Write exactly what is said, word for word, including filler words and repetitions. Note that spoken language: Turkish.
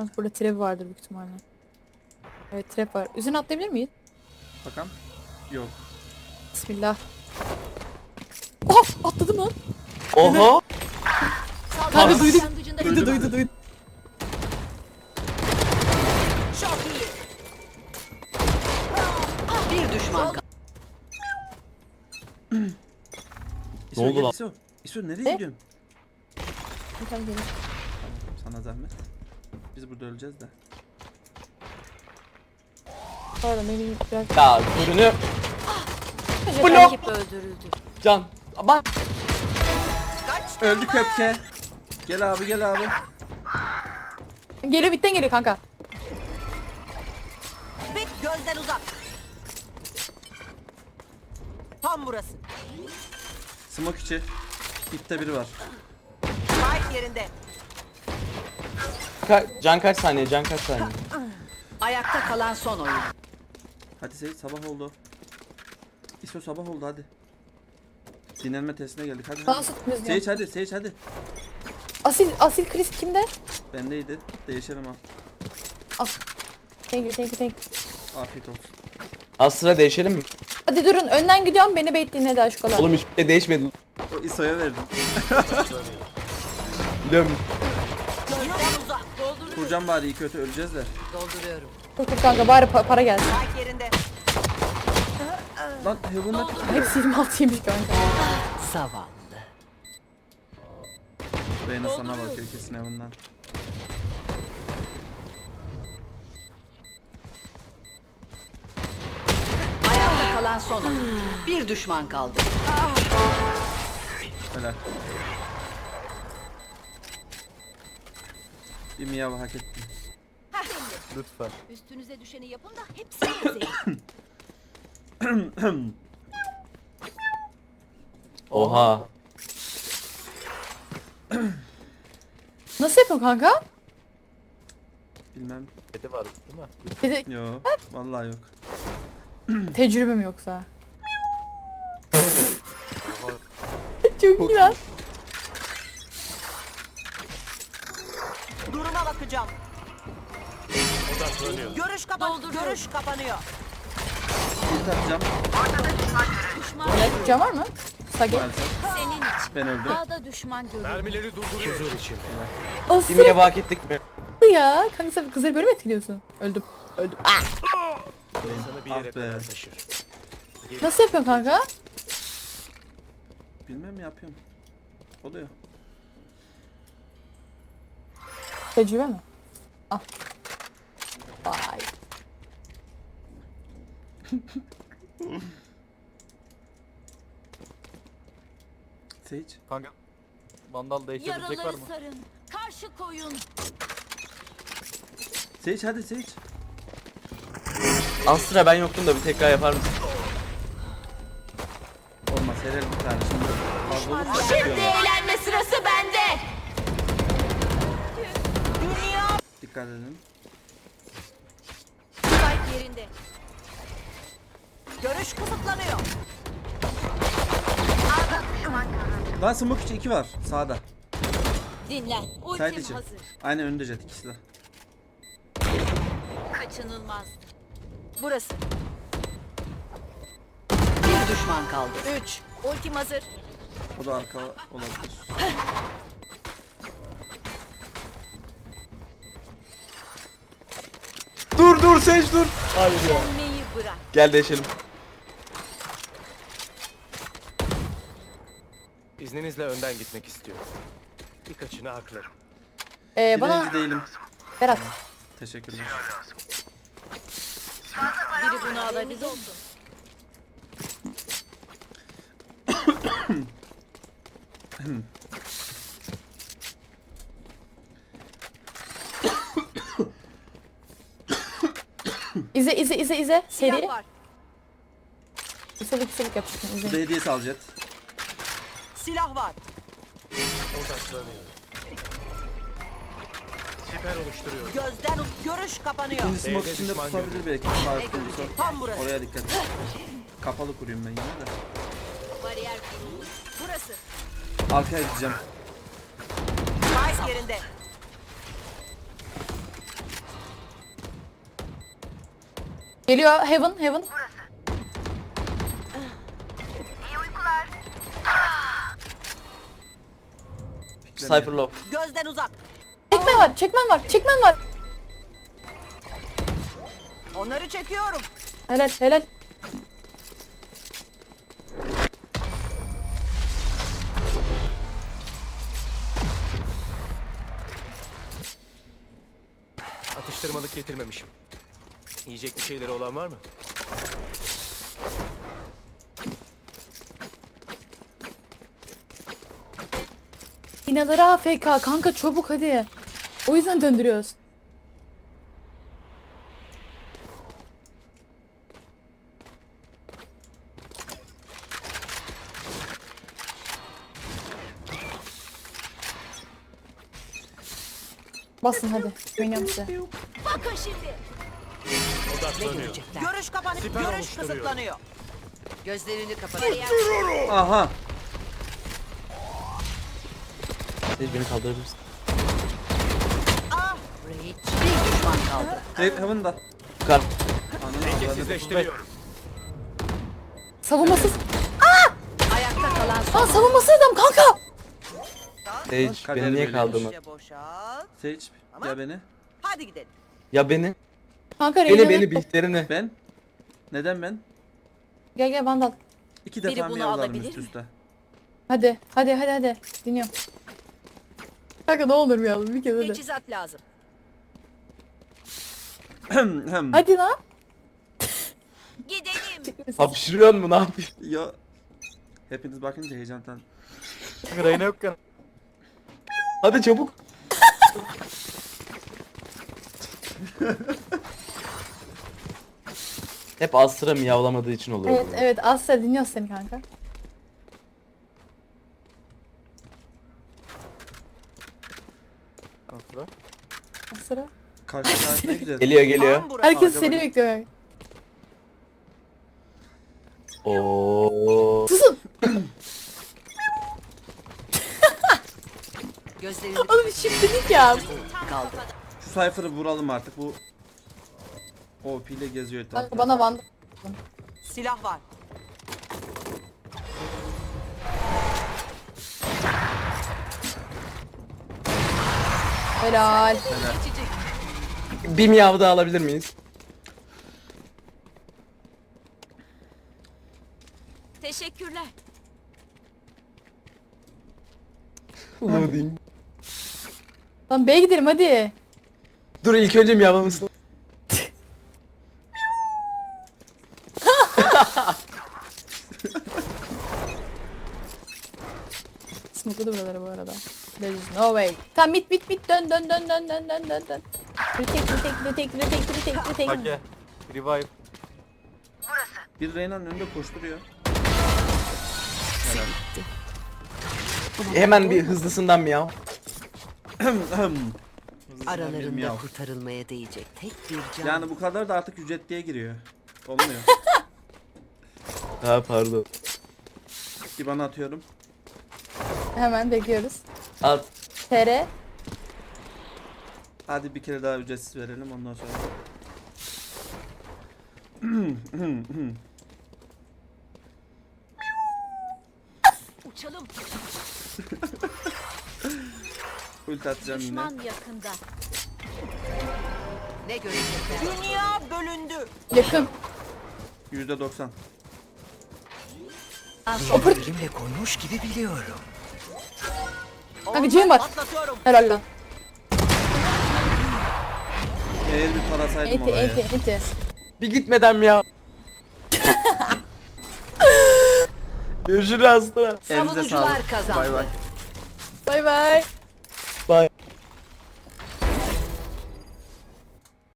Burada trap vardır büyük ihtimalle. Evet trap var. Üzerine atlayabilir miyiz? Bakalım. Yok. Bismillah. Oh! Atladım lan. Oha. Kanka duydum. Başlangıcında Duydu duydu duydu. çok iyi. Bir düşman kaldı. İso, oldu gel, lan? İso. İso nereye Ne? gidiyorsun? Bir tane gelir. Sana zahmet. Biz burada öleceğiz de. Pardon benim biraz... Ya ürünü Blok. Rakip öldürüldü. can. Bak. Öldü köpke. Gel abi gel abi. Geliyor bitten geliyor kanka. Bit gözden uzak. Tam burası. Smoke içi. İpte biri var. Spike yerinde. Ka- can kaç saniye? Can kaç saniye? Ayakta kalan son oyun. Hadi Seyit sabah oldu. İso sabah oldu hadi. Dinlenme testine geldik hadi. Dans hadi. etmiyoruz ya. Seyit hadi Seyit hadi. Asil, asil Chris kimde? Bendeydi. Değişelim ha. Al. Thank you thank you thank you. Afiyet olsun. Az sıra değişelim mi? Hadi durun önden gidiyorum beni bekleyin hadi aşkolar. Oğlum hiçbir şey değişmedi. O İso'ya verdim. Biliyorum. Gözden uzak. Dolduruyorum. Kurcan bari iyi kötü öleceğiz de. Dolduruyorum. Dur dur kanka bari pa- para gelsin. Spike yerinde. Lan Heaven'da Hepsi yirmi altıymış kanka. Zavallı. Reyna sana bakıyor kesin Heaven'dan. Ayakta kalan son oyun. Bir düşman kaldı. Helal. Bir miyav hak ettin. Lütfen. Üstünüze düşeni yapın da hepsini izleyin. Oha. Nasıl yapıyorsun kanka? Bilmem. Kedi var değil mi? Bir de Yok. Vallahi yok. tecrübe mi yoksa? Çok iyi lan. Duruma bakacağım. Görüş kapan. Görüş kapanıyor. İlk atacağım. Ne? Can var mı? Sage. Maalesef. Senin için. Ben öldüm. Ağda düşman görüldü. Mermileri durduruyor. Asıl Kimliğe bak ettik mi? ya. Kanka sen kızları böyle mi etkiliyorsun? Öldüm. Öldüm. Ah! İnsanı bir Ah yere be. kadar taşır. Nasıl yapıyorsun kanka? Bilmem yapıyorum. Oluyor. Tecrübe mi? Al. Vay. Sage. Kanka vandal değiştirebilecek var Yaraları mı? sarın. Karşı koyun. Sage hadi Sage. Az sıra ben yoktum da bir tekrar yapar mısın? Olmaz helal bir tane şimdi. Fazla olursa Şimdi çıkıyor. eğlenme sırası bende. Dünya. Dikkat edin. Spike yerinde. Görüş kısıtlanıyor. Lan smoke içi iki var sağda. Dinlen. Side Ultim içi. hazır. Aynen önde jet ikisi de. Kaçınılmaz. Burası. Bir düşman kaldı. Üç. Ultim hazır. O da arka olabilir. Dur dur Sage dur. Hayır ya. Dönmeyi bırak. Gel değişelim. İzninizle önden gitmek istiyorum. Birkaçını haklarım. Ee, bana Dilenci değilim. Berat. Teşekkürler. Biri bunu alabilir olsun. İze izle izle izle. Silah Seri. var. Üstelik üstelik yapıyorsun. Bu İzle. da hediyesi al jet. Silah var. Odaklanıyorum. Siper oluşturuyorum. Gözden u- görüş kapanıyor. İkinci smoke B'de içinde düşman tutabilir belki. Farklı olursa. Tam burası. Oraya dikkat et. Kapalı kurayım ben yine de. Bariyer kuruldu. Burası. Arkaya gideceğim. Spike yerinde. Geliyor Heaven Heaven. Cypher low. Gözden uzak. Çekmen var çekmen var çekmen var. Onları çekiyorum. Helal helal. Atıştırmalık getirmemişim. Yiyecek bir şeyleri olan var mı? İnaları A F K kanka çabuk hadi. O yüzden döndürüyoruz. Basın hadi. Oynuyorum size. Bakın şimdi. Odaklanıyor. Görüş kapanıp Siper görüş oluşturuyor. kısıtlanıyor. Gözlerini kapatın. Aha. Sage beni kaldırır mısın? Ah! Bir düşman kaldı. Direkt Heaven'da. Yukarı. Ananı avradı. Dengesizleştiriyorum. Savunmasız. Ayakta kalan son. Aa savunmasız adam kanka. Sage Kader beni niye böyle. kaldırma? İşte boşalt. Sage ya beni. Hadi gidelim. Ya beni. Kanka Beni Reyna'nın- beni bihterine. Ben? Neden ben? Gel gel Vandal. İki Biri defa bunu mı yavlarım alabilir üst mi? üste? Hadi hadi hadi hadi. Dinliyorum. Kanka ne olur bir yavrum bir kez hadi. Teçhizat lazım. Hem. Hadi lan. Gidelim. Hapşırıyor mu ne yapıyorsun? Ya. Hepiniz bakınca heyecandan. Reyna yokken. Hadi çabuk. Hep Astra miyavlamadığı için oluyor. Evet bu. evet Asya dinliyoruz seni kanka. Asla. Asya. Karşı karşıya gideceğiz. Geliyor geliyor. Tam burası. Herkes Kanka seni bak. bekliyor kanka. Oo. Susun. Gözlerini Oğlum şimdilik ya. kaldı. Şu Cypher'ı vuralım artık bu. O P ile geziyor Kanka etrafta. bana Vandal. Silah var. Helal. Bir miyav daha alabilir miyiz? Teşekkürler. Bunu diyeyim. Lan B'ye gidelim hadi. Dur ilk önce miyavlamışsın. Smokladı buraları bu arada. There is no way. Tamam mit mit mit dön dön dön dön dön dön dön dön. Retake retake retake retake retake retake. Hake. Revive. Bir Reyna'nın önünde koşturuyor. Hemen bir hızlısından miyav. Aralarında miyav. kurtarılmaya değecek tek bir can. Yani bu kadar da artık ücretliye giriyor. Olmuyor. Ha pardon. Bir bana atıyorum. Hemen bekliyoruz. At. T R. Hadi bir kere daha ücretsiz verelim ondan sonra. Uçalım. Ulti atacağım yine. yakında. Ne görecekler? Dünya bölündü. Yakın. yüzde doksan. Elimle koymuş gibi biliyorum. Kanka Cem var. Atlatıyorum. Helal lan. Eğer bir parasaydım Enti oraya. enti enti. Bir gitmeden miyav. Görüşürüz Astra. Elinize Savunucular sağlık. kazandı. Bay bay. Bay bay.